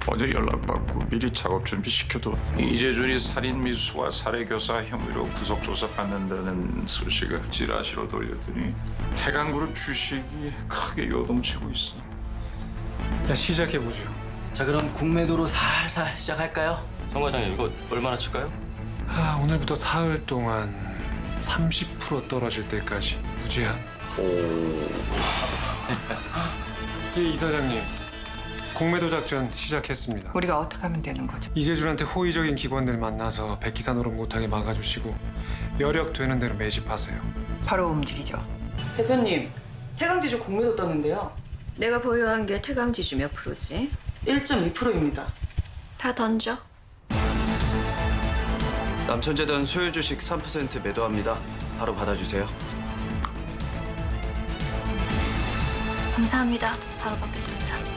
어제 연락받고 미리 작업 준비시켜도 이재준이 살인 미수와 살해 교사 혐의로 구속 조사받는다는 소식을 찌라시로 돌렸더니 태강그룹 주식이 크게 요동치고 있어. 자, 시작해보죠. 자, 그럼 공매도로 살살 시작할까요? 정 과장님 이거 얼마나 칠까요? 오늘부터 사흘 동안 30% 떨어질 때까지 무제한. 예, 이사장님. 공매도 작전 시작했습니다. 우리가 어떻게 하면 되는 거죠? 이재준한테 호의적인 기관들 만나서 백기사 노릇 못하게 막아주시고 여력 되는 대로 매집하세요. 바로 움직이죠. 대표님, 태강지주 공매도 떴는데요. 내가 보유한 게 태강지주 몇 프로지? 1.2%입니다. 다 던져. 남천재단 소유 주식 3% 매도합니다. 바로 받아주세요. 감사합니다. 바로 받겠습니다.